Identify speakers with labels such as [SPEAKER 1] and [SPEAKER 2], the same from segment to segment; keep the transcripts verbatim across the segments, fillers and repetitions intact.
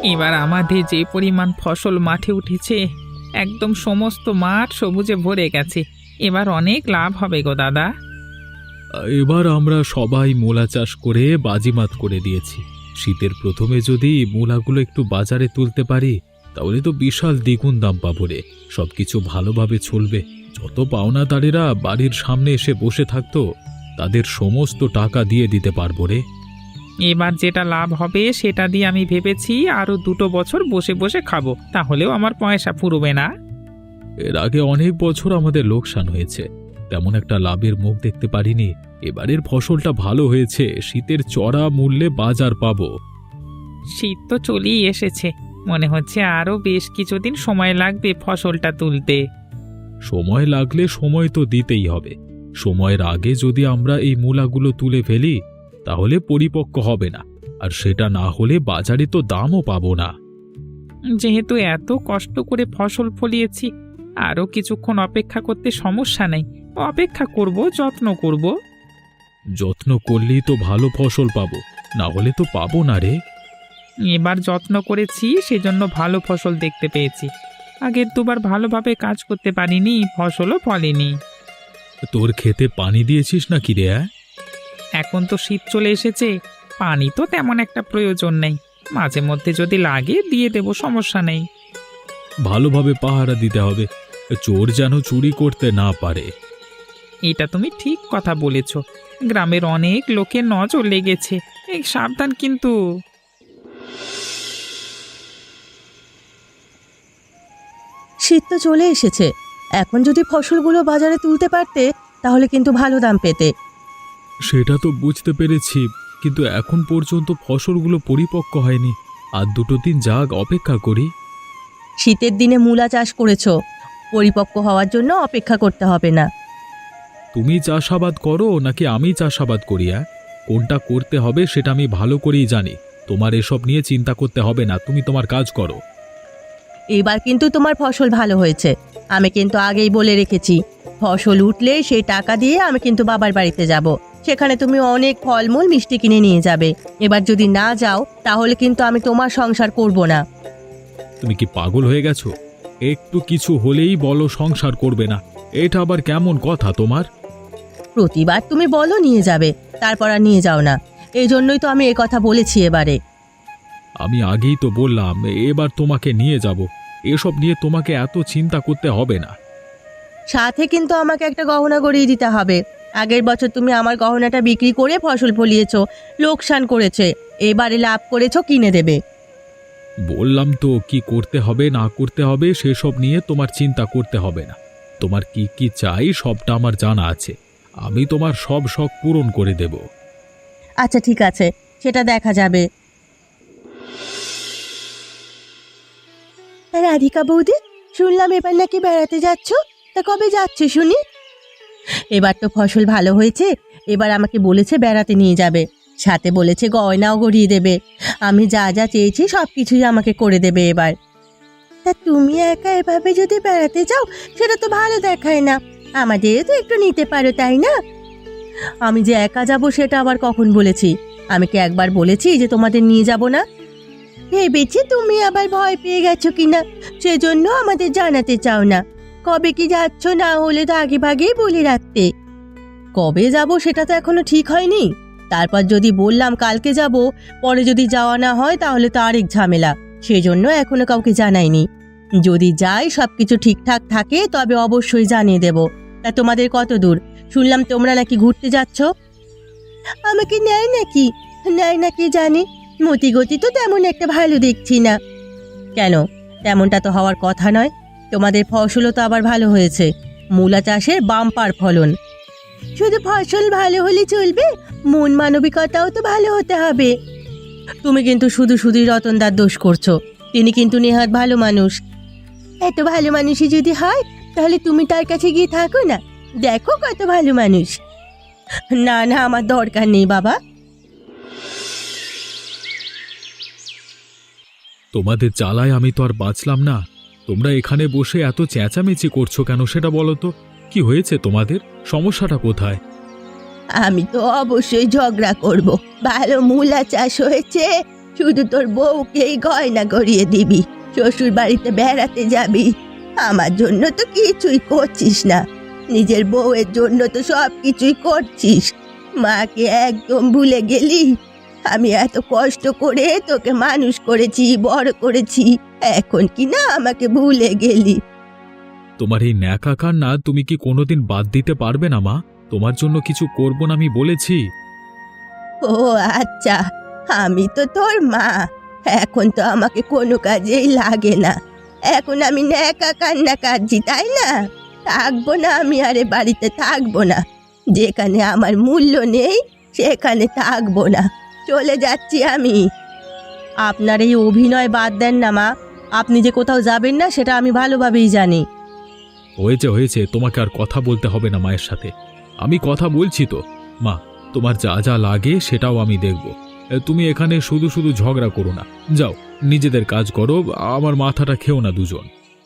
[SPEAKER 1] এবার আমাদের যে পরিমাণ ফসল মাঠে উঠেছে, একদম সমস্ত মাঠ সবুজে ভরে গেছে। এবার অনেক লাভ হবে গো দাদা।
[SPEAKER 2] এবার আমরা সবাই মূলা চাষ করে বাজিমাত করে দিয়েছি। শীতের প্রথমে যদি মূলাগুলো একটু বাজারে তুলতে পারি তাহলে তো বিশাল দ্বিগুণ দাম পাবো রে। সবকিছু ভালোভাবে চলবে। যত পাওনাদারেরা বাড়ির সামনে এসে বসে থাকতো তাদের সমস্ত টাকা দিয়ে দিতে পারবো রে।
[SPEAKER 1] এবার যেটা লাভ হবে সেটা দিয়ে আমি ভেবেছি আরো দুটো বছর বসে বসে খাবো, তাহলেও আমার পয়সা ফুরবে না।
[SPEAKER 2] এর আগে অনেক বছর আমাদের লোকসান হয়েছে, তেমন একটা লাভের মুখ দেখতে পারিনি। এবারের ফসলটা ভালো হয়েছে, শীতের চড়া মূল্যে বাজার পাবো।
[SPEAKER 1] শীত তো চলেই এসেছে, মনে হচ্ছে আরো বেশ কিছুদিন সময় লাগবে ফসলটা তুলতে।
[SPEAKER 2] সময় লাগলে সময় তো দিতেই হবে। সময়ের আগে যদি আমরা এই মূলাগুলো তুলে ফেলি তাহলে পরিপক্ক হবে না, আর সেটা না হলে বাজারে তো দামও পাবো না।
[SPEAKER 1] যেহেতু এত কষ্ট করে ফসল ফলিয়েছি, আরো কিছুক্ষণ অপেক্ষা করতে সমস্যা নেই। অপেক্ষা করব, যত্ন করব।
[SPEAKER 2] যত্ন করলেই তো ভালো ফসল পাবো, না হলে তো পাবো না রে।
[SPEAKER 1] এবার যত্ন করেছি, সেজন্য ভালো ফসল দেখতে পেয়েছি। আগের দুবার ভালোভাবে কাজ করতে পারিনি, ফসলও ফলেনি।
[SPEAKER 2] তোর খেতে পানি দিয়েছিস নাকি রে?
[SPEAKER 1] এখন তো শীত চলে এসেছে, পানি তো তেমন একটা প্রয়োজন নেই। মাঝে মধ্যে যদি লাগে দিয়ে দেব, সমস্যা নেই।
[SPEAKER 2] ভালোভাবে পাহারা দিতে হবে, চোর যেন চুরি করতে না পারে।
[SPEAKER 1] এটা তুমি ঠিক কথা বলেছ। গ্রামের অনেক লোকের নজর লেগেছে, এই সাবধান কিন্তু।
[SPEAKER 3] শীত তো চলে এসেছে, এখন যদি ফসলগুলো বাজারে তুলতে পারতে তাহলে কিন্তু ভালো দাম পেতে।
[SPEAKER 2] সেটা তো বুঝতে পেরেছি, কিন্তু এখন পর্যন্ত ফসলগুলো পরিপক্ক হয়নি। আর দুটো দিন যাক, অপেক্ষা করি।
[SPEAKER 3] শীতের দিনে মূলা চাষ করেছো, পরিপক্ক হওয়ার জন্য অপেক্ষা করতে হবে না।
[SPEAKER 2] তুমি চাষাবাদ করো নাকি আমি চাষাবাদ করি? কোনটা করতে হবে সেটা আমি ভালো করেই জানি। তোমার এসব নিয়ে চিন্তা করতে হবে না, তুমি তোমার কাজ করো।
[SPEAKER 3] এবার কিন্তু তোমার ফসল ভালো হয়েছে, আমি কিন্তু আগেই বলে রেখেছি। ফসল উঠলে সেই টাকা দিয়ে আমি কিন্তু বাবার বাড়িতে যাব, সেখানে তুমি অনেক ফলমূল মিষ্টি কিনে নিয়ে যাবে। এবার যদি না যাও তাহলে কিন্তু আমি তোমার সংসার করব না।
[SPEAKER 2] তুমি কি পাগল হয়ে গেছো? একটু কিছু হলেই বলো সংসার করবে না, এটা আবার কেমন কথা তোমার?
[SPEAKER 3] প্রতিবার তুমি বলো নিয়ে যাবে, তারপর আর নিয়ে যাও না। এই জন্যই তো আমি এ কথা বলেছি এবারে।
[SPEAKER 2] আমি আগেই তো বললাম এবার তোমাকে নিয়ে যাব, এসব নিয়ে তোমাকে এত চিন্তা করতে হবে না।
[SPEAKER 3] সাথে কিন্তু আমাকে একটা গহনা গড়িয়ে দিতে হবে। আগের বছর তুমি আমার গহনাটা বিক্রি করে ফসল ফলিয়েছো, লোকসান করেছে, এবারে লাভ করেছো, কিনে দেবে।
[SPEAKER 2] বললাম তো কি করতে হবে না করতে হবে সেসব নিয়ে তোমার চিন্তা করতে হবে না। তোমার কি কি চাই সবটা আমার জানা আছে, আমি তোমার সব শখ পূরণ করে দেব।
[SPEAKER 3] আচ্ছা ঠিক আছে, সেটা দেখা যাবে। রাধিকা বৌদি, শুনলাম এবার নাকি বেড়াতে যাচ্ছ, তা কবে যাচ্ছ শুনি? এবার তো ফসল ভালো হয়েছে, এবার আমাকে বলেছে বেড়াতে নিয়ে যাবে, সাথে বলেছে গয়নাও গড়িয়ে দেবে। আমি যা যা চেয়েছি সব কিছুই আমাকে করে দেবে এবার। তা তুমি একা এভাবে যদি বেড়াতে যাও সেটা তো ভালো দেখায় না, আমাদেরও তো একটু নিতে পারো তাই না? আমি যে একা যাব সেটা আবার কখন বলেছি? আমি কি একবার বলেছি যে তোমাদের নিয়ে যাব না? ভেবেছি তুমি আবার ভয় পেয়ে গেছো কিনা, সেজন্য আমাদের জানাতে চাও না। কবে কি যাচ্ছ না হলে তো আগে ভাগেই বলে রাখতে। কবে যাব সেটা তো এখনো ঠিক হয়নি। তারপর যদি বললাম কালকে যাব, পরে যদি যাওয়া না হয় তাহলে তো আরেক ঝামেলা, সেজন্য এখনো কাউকে জানাইনি। যদি যাই সবকিছু ঠিকঠাক থাকে তবে অবশ্যই জানিয়ে দেব। তা তোমাদের কত দূর? শুনলাম তোমরা নাকি ঘুরতে যাচ্ছ। আমাকে নেয় নাকি? নেয় নাকি জানি, মতি গতি তো তেমন একটা ভালো দেখছি না। কেন, তেমনটা তো হওয়ার কথা নয়। তোমাদের ফসলও তো আবার ভালো হয়েছে, মূলা চাষের বাম্পার ফলন। শুধু ফসল ভালো হলে চলবে, মন মানবিকতাও তো ভালো হতে হবে। তুমি কিন্তু শুধু শুধুই রতনদার দোষ করছো, তিনি কিন্তু নেহাত ভালো মানুষ। এত ভালো মানুষই যদি হয় তাহলে তুমি তার কাছে গিয়ে থাকো না, দেখো কত ভালো মানুষ। না না, আমার দরকার নেই বাবা।
[SPEAKER 2] তোমাদের জ্বালায় আমি তো আর বাঁচলাম না। তোমরা এখানে বসে এত চেঁচামেচি করছো কেন সেটা বলো তো। কি হয়েছে তোমাদের? সমস্যাটা কোথায়?
[SPEAKER 3] আমি তো অবশ্যই ঝগড়া করব। ভালো মূলা চাষ হয়েছে, শুধু তোর বউকেই গয়না গড়িয়ে দিবি, শ্বশুর বাড়িতে বেড়াতে যাবি। আমার জন্য তো কিছুই করছিস না, নিজের বউয়ের জন্য তো সব কিছুই করছিস। মাকে একদম ভুলে গেলি। আমি এত কষ্ট করে তোকে মানুষ করেছি, বড় করেছি, এখন কি না আমাকে ভুলে গেলি?
[SPEAKER 2] তোমার এই ন্যাকা কান্না তুমি কি কোনোদিন বাদ দিতে পারবে না মা? তোমার জন্য কিছু করব না আমি বলেছি।
[SPEAKER 3] ও আচ্ছা, আমি তো তোর মা, এখন তো আমাকে কোনো কাজেই লাগে না। এখন আমি ন্যাকা কান্না কাঁদছি, তাই না? থাকবো না আমি আরে বাড়িতে থাকবো না। যেখানে আমার মূল্য নেই সেখানে থাকবো না, চলে যাচ্ছি আমি। আপনার এই অভিনয় বাদ দেন না মা, আপনি যে কোথাও যাবেন না সেটা আমি ভালোভাবেই জানি।
[SPEAKER 2] হয়েছে হয়েছে, তোমাকে আর কথা বলতে হবে না মায়ের সাথে। আমি কথা বলছি তো মা, তোমার যা যা লাগে সেটাও আমি দেখব। এ, তুমি এখানে শুধু শুধু ঝগড়া করো না, যাও নিজেদের কাজ করো, আমার মাথাটা খেও না দুজন।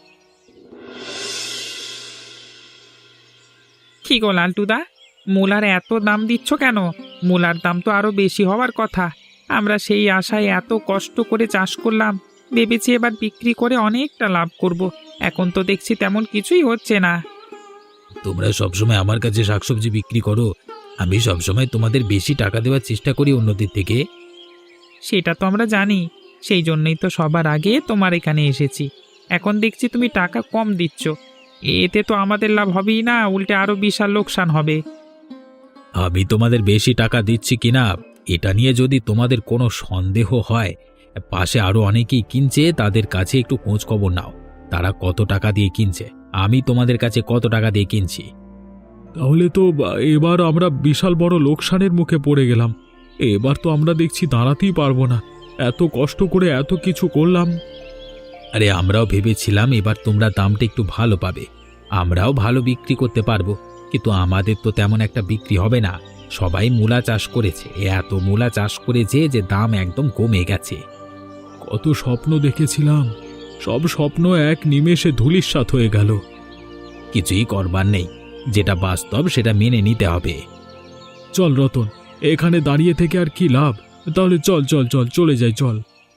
[SPEAKER 1] কি গো লালটুদা, মূলার এত দাম দিচ্ছ কেন? মূলার দাম তো আরো বেশি হওয়ার কথা। আমরা সেই আশায় এত কষ্ট করে চাষ করলাম, ভেবেছি এবার বিক্রি করে অনেকটা লাভ করব। এখন তো দেখছি তেমন কিছুই হচ্ছে না।
[SPEAKER 2] তোমরা সবসময় আমার কাছে শাকসবজি বিক্রি করো, আমি সবসময় তোমাদের বেশি টাকা দেওয়ার চেষ্টা করি অন্যদের থেকে।
[SPEAKER 1] সেটা তো আমরা জানি, সেই জন্যই তো সবার আগে তোমার এখানে এসেছি। এখন দেখছি তুমি টাকা কম দিচ্ছ, এতে তো আমাদের লাভ হবেই না, উল্টে আরো বিশাল লোকসান হবে।
[SPEAKER 2] আমি তোমাদের বেশি টাকা দিচ্ছি কিনা এটা নিয়ে যদি তোমাদের কোনো সন্দেহ হয়, পাশে আরো অনেকেই কিনছে, তাদের কাছে একটু খোঁজ খবর নাও, তারা কত টাকা দিয়ে কিনছে, আমি তোমাদের কাছে কত টাকা দিয়ে কিনছি। তাহলে তো এবার আমরা বিশাল বড় লোকসানের মুখে পড়ে গেলাম। এবার তো আমরা দেখছি দাঁড়াতেই পারবো না, এত কষ্ট করে এত কিছু করলাম। আরে আমরাও ভেবেছিলাম এবার তোমরা দামটা একটু ভালো পাবে, আমরাও ভালো বিক্রি করতে পারবো, কিন্তু আমাদের তো তেমন একটা বিক্রি হবে না। সবাই মূলা চাষ করেছে, এত মূলা চাষ করেছে যে দাম একদম কমে গেছে। কত স্বপ্ন দেখেছিলাম, সব স্বপ্ন এক নিমেষে ধূলিসাৎ হয়ে গেল। কিছুই করবার নেই, যেটা বাস্তব সেটা মেনে নিতে হবে। চল রতন, এখানে দাঁড়িয়ে থেকে আর কি লাভ, তাহলে চল চল চল চলে যাই চল।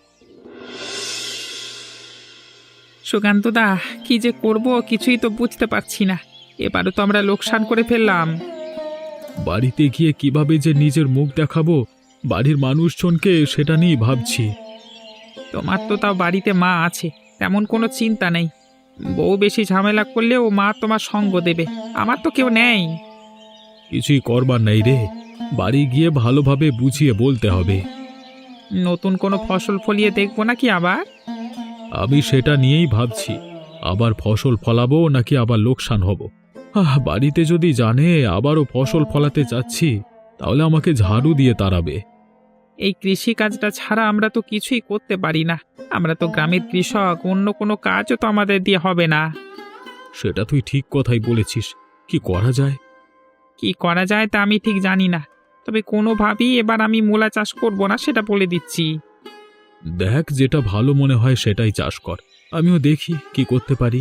[SPEAKER 1] সুকান্তদা, কি যে করব কিছুই তো বুঝতে পারছি না। এবারও তো আমরা লোকসান করে ফেললাম।
[SPEAKER 2] বাড়িতে গিয়ে কিভাবে যে নিজের মুখ দেখাবো বাড়ির মানুষজনকে সেটা নিয়ে ভাবছি।
[SPEAKER 1] তোমার তো তাও বাড়িতে মা আছে, তেমন কোনো চিন্তা নেই। বউ বেশি ঝামেলা করলেও মা তোমার সঙ্গ দেবে, আমার তো কেউ নেই।
[SPEAKER 2] কিছুই করবার নাই রে, বাড়ি গিয়ে ভালোভাবে বুঝিয়ে বলতে হবে।
[SPEAKER 1] নতুন কোনো ফসল ফলিয়ে দেখবো নাকি আবার?
[SPEAKER 2] আমি সেটা নিয়েই ভাবছি, আবার ফসল ফলাবো নাকি আবার লোকসান হব। আহ, বাড়িতে যদি জানে আবারও ফসল ফলাতে যাচ্ছি, তাহলে আমাকে ঝাড়ু দিয়ে তাড়াবে।
[SPEAKER 1] এই কৃষি কাজটা ছাড়া আমরা তো কিছুই করতে পারি না। আমরা তো গ্রামের কৃষক, অন্য কোনো কাজও তো আমাদের দিয়ে হবে না।
[SPEAKER 2] সেটা তুই ঠিক কথাই বলেছিস, কি করা যায়?
[SPEAKER 1] কি করা যায় তা আমি ঠিক জানি না, তবে কোনোভাবেই এবার আমি মূলা চাষ করব না, সেটা বলে দিচ্ছি।
[SPEAKER 2] দেখ, যেটা ভালো মনে হয় সেটাই চাষ কর, আমিও দেখি কি করতে পারি।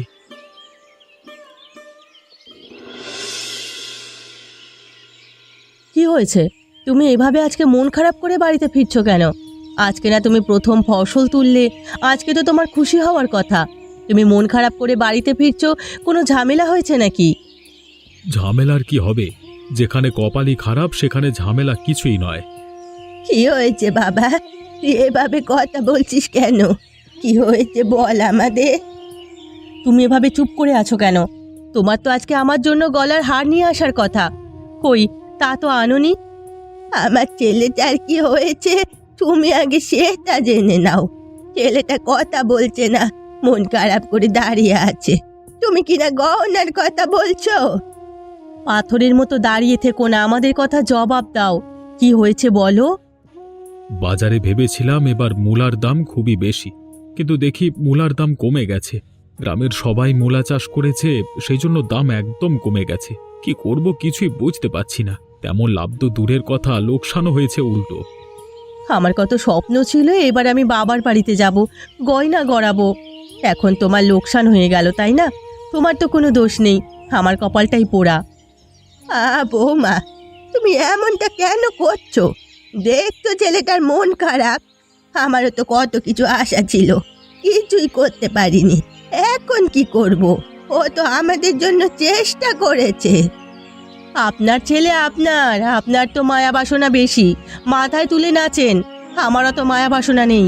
[SPEAKER 3] কি হয়েছে? তুমি এভাবে আজকে মন খারাপ করে বাড়িতে ফিরছো কেন? আজকে না তুমি প্রথম ফসল তুললে, আজকে তো তোমার খুশি হওয়ার কথা। তুমি মন খারাপ করে বাড়িতে ফিরছো, কোনো ঝামেলা হয়েছে নাকি?
[SPEAKER 2] ঝামেলার কি হবে? যেখানে কপালই খারাপ সেখানে ঝামেলা কিছুই নয়।
[SPEAKER 3] কি হয়েছে বাবা, তুই এভাবে কথা বলছিস কেন? কি হয়েছে বল আমাদের। তুমি এভাবে চুপ করে আছো কেন? তোমার তো আজকে আমার জন্য গলার হার নিয়ে আসার কথা, কই তা তো আনোনি। আমার ছেলেটার কি হয়েছে তুমি আগে সেটা জেনে নাও। ছেলেটা কথা বলছে না, মন খারাপ করে দাঁড়িয়ে আছে। তুমি কিনা গহনার কথা বলছো। পাথরের মতো দাঁড়িয়ে থেকো না, আমাদের কথা জবাব দাও। কি হয়েছে বলো।
[SPEAKER 2] বাজারে ভেবেছিলাম এবার মূলার দাম খুবই বেশি, কিন্তু দেখি মূলার দাম কমে গেছে। গ্রামের সবাই মূলা চাষ করেছে, সেই জন্য দাম একদম কমে গেছে। কি করব কিছুই বুঝতে পারছি না। তেমন লাভ তো দূরের কথা, লোকসানও হয়েছে উল্টো।
[SPEAKER 3] আমার কত স্বপ্ন ছিল এবার আমি বাবার বাড়িতে যাব, গয়না গড়াবো। এখন তোমার লোকসান হয়ে গেল, তাই না? তোমার তো কোনো দোষ নেই, আমার কপালটাই পোড়া। আ বৌমা, তুমি এমনটা কেন করছো? দেখতো ছেলেটার মন খারাপ, আমারও তো কত কিছু আশা ছিল, কিছুই করতে পারিনি। এখন কি করব? ও তো আমাদের জন্য চেষ্টা করেছে। আপনার ছেলে আপনার, আপনার তো মায়া বাসনা বেশি, মাথায় তুলে নাচেন। আমারও তো মায়া বাসনা নেই।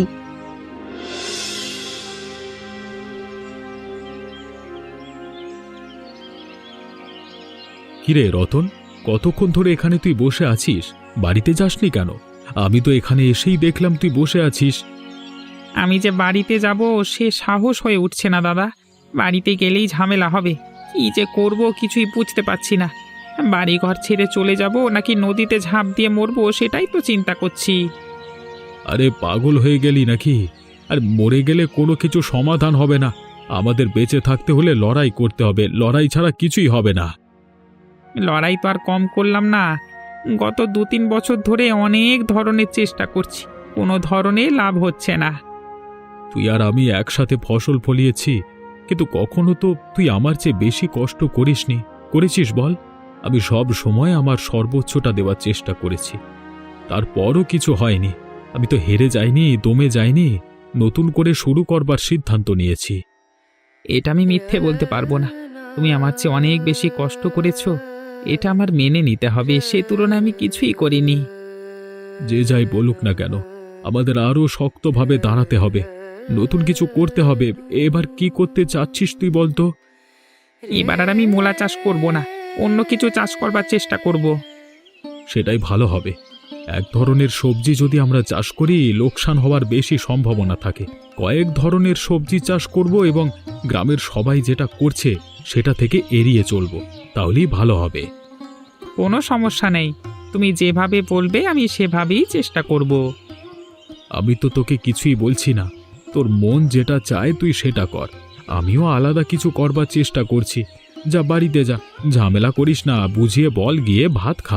[SPEAKER 2] কিরে রতন, কতক্ষণ ধরে এখানে তুই বসে আছিস? বাড়িতে যাসনি কেন? আমি তো এখানে এসেই দেখলাম তুই বসে আছিস।
[SPEAKER 1] আমি যে বাড়িতে যাব সে সাহস হয়ে উঠছে না দাদা। বাড়িতে গেলেই ঝামেলা হবে। কি যে করব কিছুই বুঝতে পারছি না। বাড়ি ঘর ছেড়ে চলে যাব নাকি নদীতে ঝাঁপ দিয়ে মরবো সেটাই তো চিন্তা করছি।
[SPEAKER 2] আরে পাগল হয়ে গেলি নাকি? আর মরে গেলে কোনো কিছু সমাধান হবে না। আমাদের বেঁচে থাকতে হলে লড়াই করতে হবে, লড়াই ছাড়া কিছুই হবে না।
[SPEAKER 1] লড়াই তো আর কম করলাম না। গত দু তিন বছর ধরে অনেক ধরনের চেষ্টা করছি, কোনো ধরনের লাভ হচ্ছে না।
[SPEAKER 2] তুই আর আমি একসাথে ফসল ফলিয়েছি, কিন্তু কখনো তো তুই আমার চেয়ে বেশি কষ্ট করিসনি। করেছিস বল? আমি সব সময় আমার সর্বোচ্চটা দেওয়ার চেষ্টা করেছি, তারপরও কিছু হয়নি। আমি তো হেরে যাইনি, দমে যাইনি, নতুন করে শুরু করবার সিদ্ধান্ত নিয়েছি।
[SPEAKER 1] এটা আমি মিথ্যে বলতে পারবো না। তুমি আমার চেয়ে অনেক বেশি কষ্ট করেছো, এটা আমার মেনে নিতে হবে। সে তুলনায় আমি কিছুই করিনি।
[SPEAKER 2] যে যাই বলুক না কেন, আমাদের আরও শক্তভাবে দাঁড়াতে হবে, নতুন কিছু করতে হবে। এবার কি করতে চাচ্ছিস তুই বলতো?
[SPEAKER 1] এবার আর আমি মূলা চাষ করব না, অন্য কিছু চাষ করবার চেষ্টা করব।
[SPEAKER 2] সেটাই ভালো হবে। এক ধরনের সবজি যদি আমরা চাষ করি, লোকসান হওয়ার বেশি সম্ভাবনা থাকে। কয়েক ধরনের সবজি চাষ করব এবং গ্রামের সবাই যেটা করছে সেটা থেকে এড়িয়ে চলব, তাহলেই ভালো হবে।
[SPEAKER 1] কোনো সমস্যা নেই, তুমি যেভাবে বলবে আমি সেভাবেই চেষ্টা করব।
[SPEAKER 2] আমি তো তোকে কিছুই বলছি না, তোর মন যেটা চায় তুই সেটা কর। আমিও আলাদা কিছু করবার চেষ্টা করছি। যা বাড়িতে যা, ঝামেলা করিস না, বুঝিয়ে বল, গিয়ে ভাত খা।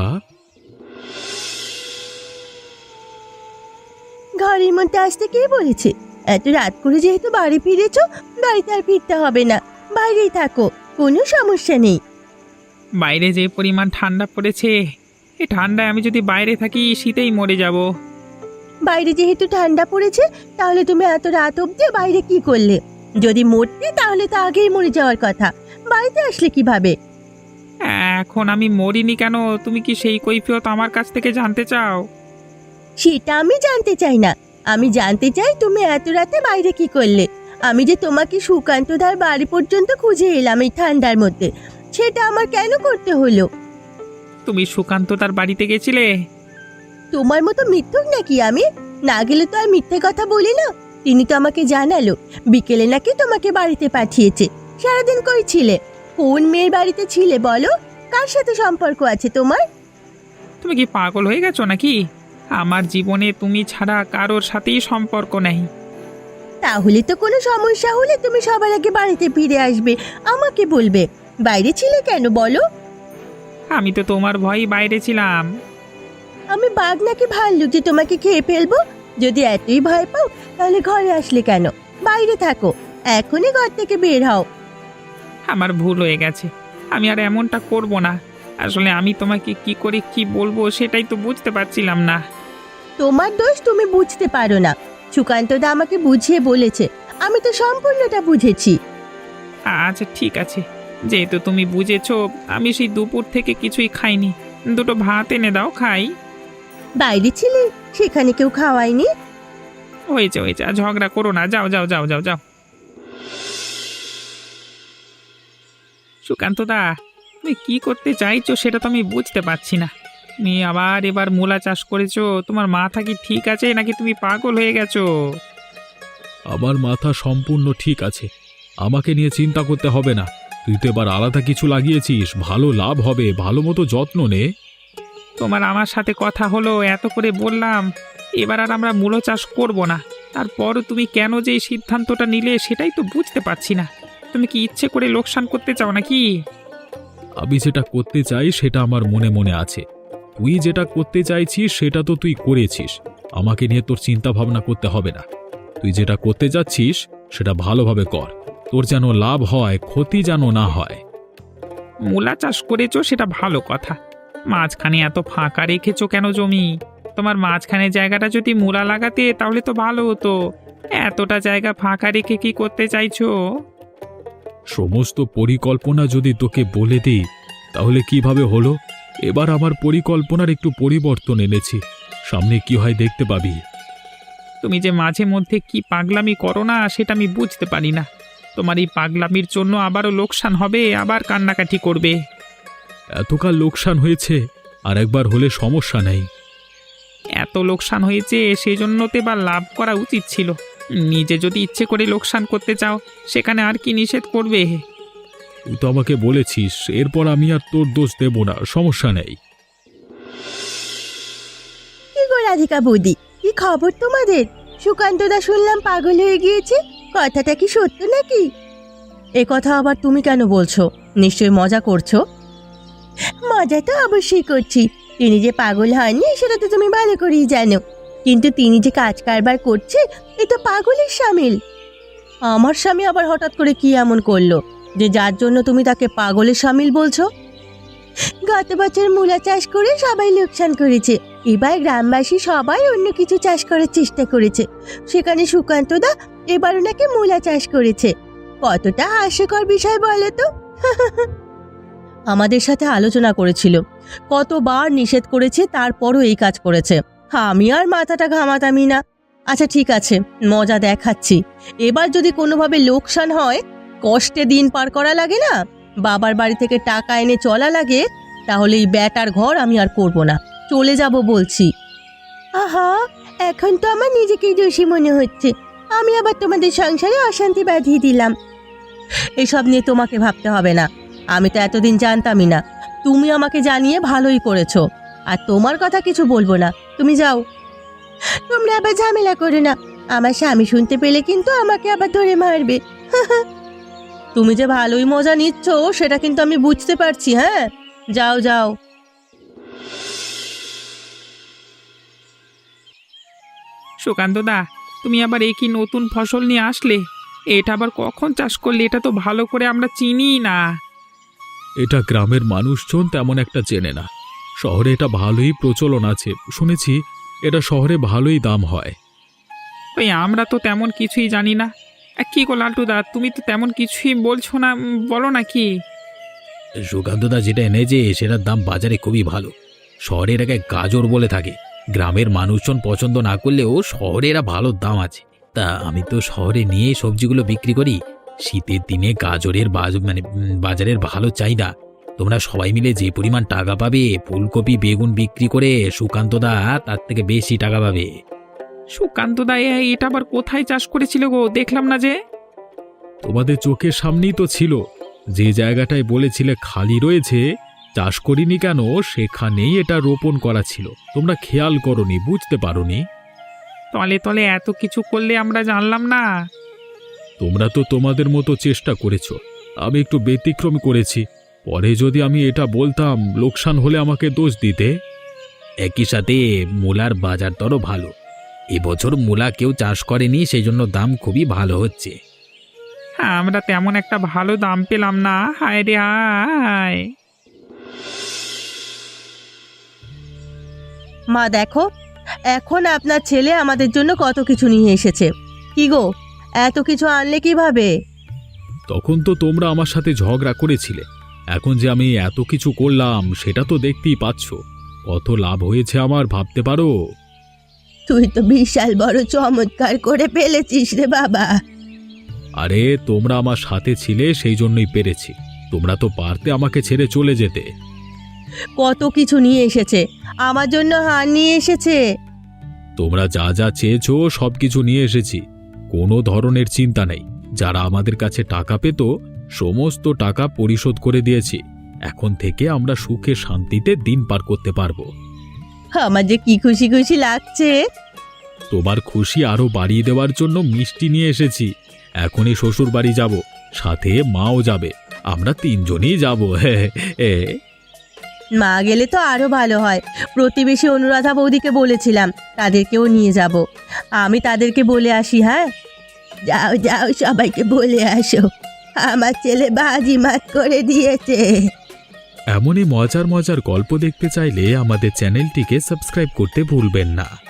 [SPEAKER 3] ঘরের মধ্যে আসতে কে বলেছে? এত রাত করে যেহেতু বাড়ি ফিরেছো, বাড়িতে আর ফিরতে হবে না, বাইরেই থাকো, কোনো সমস্যা নেই।
[SPEAKER 1] বাইরে যে পরিমাণ ঠান্ডা পড়েছে, এই ঠান্ডায় আমি যদি বাইরে থাকি শীতেই মরে যাব।
[SPEAKER 3] বাইরে যেহেতু ঠান্ডা পড়েছে, তাহলে তুমি এত রাত অবধি বাইরে কি করলে? যদি মরতে তাহলে তো আগেই মরে যাওয়ার কথা, বাড়িতে আসলে কিভাবে?
[SPEAKER 1] এখন আমি মরিনি কেন, তুমি কি সেই কৈফিয়ত আমার কাছ থেকে জানতে চাও?
[SPEAKER 3] সেটা আমি জানতে চাই না। আমি জানতে চাই তুমি এত রাতে বাইরে কি করলে। আমি যে তোমাকে সুকান্তদার বাড়ি পর্যন্ত খুঁজে এলাম এই ঠান্ডার মধ্যে, সেটা আমার কেন করতে হলো?
[SPEAKER 1] তুমি সুকান্ত তার বাড়িতে গেছিলে?
[SPEAKER 3] তোমার মতো মিথ্যুক নাকি আমি? না গেলে তো আর মিথ্যে কথা বলি না। তিনি তো আমাকে জানালো বিকেলে নাকি তোমাকে বাড়িতে পাঠিয়েছে। সারাদিন কই ছিলে? কোন মেয়ের বাড়িতে ছিলে বলো? কার সাথে সম্পর্ক আছে তোমার?
[SPEAKER 1] তুমি কি পাগল হয়ে গেছো নাকি? আমার জীবনে তুমি ছাড়া কারোর সাথেই সম্পর্ক নেই।
[SPEAKER 3] তাহলে তো কোনো সমস্যা হলে তুমি সবার আগে বাড়িতে ফিরে আসবে, আমাকে বলবে। বাইরে ছিলে কেন বলো?
[SPEAKER 1] আমি তো তোমার ভয়ই বাইরে ছিলাম।
[SPEAKER 3] আমি বাঘ নাকি ভাল্লুক যে তোমাকে খেয়ে ফেলবো? যদি এতই ভয় পাও তাহলে ঘরে আসলে কেন? বাইরে থাকো, এখনই ঘর থেকে বের হও।
[SPEAKER 1] আমার ভুল হয়ে গেছে, আমি আর এমনটা করব না। আসলে আমি তোমাকে কি করে কি বলবো সেটাই তো বুঝতে পারছিলাম না।
[SPEAKER 3] তোমার দোষ তুমি বুঝতে পারো না। সুকান্তদা আমাকে বুঝিয়ে বলেছে, আমি তো সম্পূর্ণটা বুঝেছি।
[SPEAKER 1] আচ্ছা ঠিক আছে, যেহেতু তুমি বুঝেছো, আমি সেই দুপুর থেকে কিছুই খাইনি। দুটো ভাত এনে দাও খাই।
[SPEAKER 3] বাইরে ছিলে, সেখানে কেউ খাওয়ায়নি?
[SPEAKER 1] হয়েছে হয়েছে, আর ঝগড়া করো না, যাও যাও যাও যাও যাও। সুকান্ত দা, তুমি কি করতে চাইছো সেটা তো আমি বুঝতে পারছি না। তুমি আবার এবার মূলা চাষ করেছো, তোমার মাথা কি ঠিক আছে নাকি তুমি পাগল হয়ে গেছো?
[SPEAKER 2] আমার মাথা সম্পূর্ণ ঠিক আছে, আমাকে নিয়ে চিন্তা করতে হবে না। তুই তো এবার আলাদা কিছু লাগিয়েছিস, ভালো লাভ হবে, ভালো মতো যত্ন নে।
[SPEAKER 1] তোমার আমার সাথে কথা হলো, এত করে বললাম, এবার আর আমরা মূলো চাষ করব না। তারপরও তুমি কেন যে এই সিদ্ধান্তটা নিলে সেটাই তো বুঝতে পারছি না। তুমি কি ইচ্ছে করে লোকসান করতে চাও নাকি?
[SPEAKER 2] আমি যেটা করতে চাই সেটা আমার মনে মনে আছে। তুই যেটা করতে চাইছিস সেটা তো তুই করেছিস, আমাকে নিয়ে তোর চিন্তা ভাবনা করতে হবে না। তুই যেটা করতে যাচ্ছিস সেটা ভালোভাবে কর, তোর যেন লাভ হয়, ক্ষতি যেন না হয়।
[SPEAKER 1] মূলা চাষ করেছো সেটা ভালো কথা, মাঝখানে এত ফাঁকা রেখেছো কেন জমি? তোমার মাঝখানে জায়গাটা যদি মূলা লাগাতে তাহলে তো ভালো হতো। এতটা জায়গা ফাঁকা রেখে কি করতে চাইছো?
[SPEAKER 2] সমস্ত পরিকল্পনা যদি তোকে বলে দিই তাহলে কিভাবে হলো? এবার আমার পরিকল্পনার একটু পরিবর্তন এনেছি, সামনে কি হয় দেখতে পাবি।
[SPEAKER 1] তুমি যে মাঝে মধ্যে কি পাগলামি করো না সেটা আমি বুঝতে পারি না। তোমার এই পাগলামির জন্য আবারও লোকসান হবে, আবার কান্নাকাটি করবে।
[SPEAKER 2] এতকাল লোকসান হয়েছে, আর একবার হলে সমস্যা নেই।
[SPEAKER 1] এত লোকসান হয়েছে সেই জন্য তো এবার লাভ করা উচিত ছিল। নিজে যদি ইচ্ছে করে লোকসান করতে চাও সেখানে আর কি নিষেধ করবে?
[SPEAKER 2] তুই তো আমাকে বলেছিস, এরপর আমি আর তোর দোষ দেব না, সমস্যা নেই।
[SPEAKER 3] কি গো রাধিকা বৌদি, কি খবর তোমাদের? সুকান্তদা শুনলাম পাগল হয়ে গিয়েছে, কথাটা কি সত্য নাকি? এ কথা আবার তুমি কেন বলছো? নিশ্চয়ই মজা করছো। মজা তো অবশ্যই করছি। তিনি যে পাগল হয়নি সেটা তো তুমি ভালো করেই জানো, কিন্তু তিনি যে কাজ কারবার করছে এ তো পাগলের সামিল। আমার স্বামী আবার হঠাৎ করে কি এমন করলো যে যার জন্য তুমি তাকে পাগলের সামিল বলছো? গত বছর মূলা চাষ করে সবাই লোকসান করেছে, এবার গ্রামবাসী সবাই অন্য কিছু চাষ করার চেষ্টা করেছে, সেখানে সুকান্তদা এবার ওনাকে মূলা চাষ করেছে। কতটা হাস্যকর বিষয় বলো তো। আমাদের সাথে আলোচনা করেছিল, কতবার নিষেধ করেছে, তারপরও এই কাজ করেছে। আমি আর মাথাটা ঘামাতামি না। আচ্ছা ঠিক আছে, মজা দেখাচ্ছি। এবার যদি কোনোভাবে লোকসান হয়, কষ্টে দিন পার করা লাগে না, বাবার বাড়ি থেকে টাকা এনে চলা লাগে, তাহলে এই ব্যাটার ঘর আমি আর করব না, চলে যাব বলছি। আহা, এখন তো আমার নিজেকেই দোষী মনে হচ্ছে। আমি আবার তোমাদের সংসারে অশান্তি বাঁধিয়ে দিলাম। এসব নিয়ে তোমাকে ভাবতে হবে না, আমি তো এতদিন জানতামই না। তুমি আমাকে জানিয়ে ভালোই করেছো, আর তোমার কথা কিছু বলবো না, তুমি যাও। তোমরা আবার ঝামেলা করো না, আমার স্বামী শুনতে পেলে কিন্তু আমাকে আবার ধরে মারবে। তুমি যে ভালোই মজা নিচ্ছ সেটা কিন্তু আমি বুঝতে পারছি। হ্যাঁ, যাও যাও।
[SPEAKER 1] সুকান্তদা, তুমি আবার এই কি নতুন ফসল নিয়ে আসলে? এটা আবার কখন চাষ করলে? এটা তো ভালো করে আমরা চিনি না।
[SPEAKER 2] এটা গ্রামের মানুষজন তেমন একটা চেনে না, শহরে এটা ভালোই প্রচলন আছে, শুনেছি এটা শহরে ভালোই দাম হয়।
[SPEAKER 1] ওই আমরা তো তেমন কিছুই জানি না। আ, কি গো লালটুদা, তুমি তো তেমন কিছুই বলছো না, উম, বলো না কি?
[SPEAKER 2] সুকান্তদা যেটা এনেছে সেটার দাম বাজারে খুবই ভালো। শহরে এটাকে গাজর বলে থাকে, গ্রামের মানুষজন পছন্দ না করলেও শহরে এরা ভালো দাম আছে। তা আমি তো শহরে নিয়ে সবজিগুলো বিক্রি করি। শীতের দিনে গাজরের বাজ- মানে উম, বাজারের ভালো চাহিদা। তোমরা সবাই মিলে যে পরিমাণ টাকা পাবে, ফুলকপি বেগুন বিক্রি করে সুকান্তদা তার থেকে বেশি টাকা পাবে।
[SPEAKER 1] সুকান্তদা, এ- এটা আবার কোথায় চাষ করেছিল গো? দেখলাম না যে।
[SPEAKER 2] তোমাদের চোখের সামনেই তো ছিল, যে জায়গাটায় বলেছিলে খালি রয়েছে চাষ করিনি কেন, সেখানেই এটা রোপণ করা ছিল। তোমরা খেয়াল করনি, বুঝতে পারোনি।
[SPEAKER 1] তলে তলে এত কিছু করলে আমরা জানলাম না।
[SPEAKER 2] তোমরা তো তোমাদের মতো চেষ্টা করেছো, আমি একটু ব্যতিক্রম করেছি। পরে যদি আমি এটা বলতাম, লোকসান হলে আমাকে দোষ দিতে। একই সাথে মূলার বাজার দরও ভালো। এবছর মূলা কেউ চাষ করেনি, সেই জন্য দাম খুবই ভালো হচ্ছে।
[SPEAKER 1] হ্যাঁ, আমরা তেমন একটা ভালো দাম পেলাম না। হায় রে হায়।
[SPEAKER 3] মা দেখো, এখন আপনার ছেলে আমাদের জন্য কত কিছু নিয়ে এসেছে। কি গো, এত কিছু আনলে কিভাবে?
[SPEAKER 2] তখন তো তোমরা আমার সাথে ঝগড়া করেছিলে, এখন যে আমি এত কিছু করলাম সেটা তো দেখতেই পাচ্ছ। কত লাভ হয়েছে আমার, ভাবতে পারো।
[SPEAKER 3] তুই তো বিশাল বড় চমৎকার করে ফেলেছিস রে বাবা।
[SPEAKER 2] আরে তোমরা আমার সাথে ছিলে সেই জন্যই পেরেছি, তোমরা তো পারতে আমাকে ছেড়ে চলে যেতে।
[SPEAKER 3] কত কিছু নিয়ে এসেছে, আমার জন্য হার নিয়ে এসেছে।
[SPEAKER 2] তোমরা যা যা চেয়েছো সব কিছু নিয়ে এসেছি, কোনো ধরনের চিন্তা নেই। যারা আমাদের কাছে টাকা পেত সমস্ত টাকা পরিশোধ করে দিয়েছি। এখন থেকে আমরা সুখে শান্তিতে দিন পার করতে পারবো।
[SPEAKER 3] আমার যে কি খুশি খুশি লাগছে।
[SPEAKER 2] তোমার খুশি আরো বাড়িয়ে দেওয়ার জন্য মিষ্টি নিয়ে এসেছি। এখনই শ্বশুর বাড়ি যাব, সাথে মাও যাবে, আমরা তিনজনই যাব।
[SPEAKER 3] মা গেলে তো আরো ভালো হয়। প্রতিবেশী অনুরাধা বৌদিকে বলেছিলাম তাদেরকেও নিয়ে যাব। আমি তাদেরকে বলে আসি। হ্যাঁ, যাও যাও, সবাইকে বলে আসো আমার ছেলে বাজি মাত করে দিয়েছে।
[SPEAKER 2] এমনই মজার মজার গল্প দেখতে চাইলে আমাদের চ্যানেলটিকে সাবস্ক্রাইব করতে ভুলবেন না।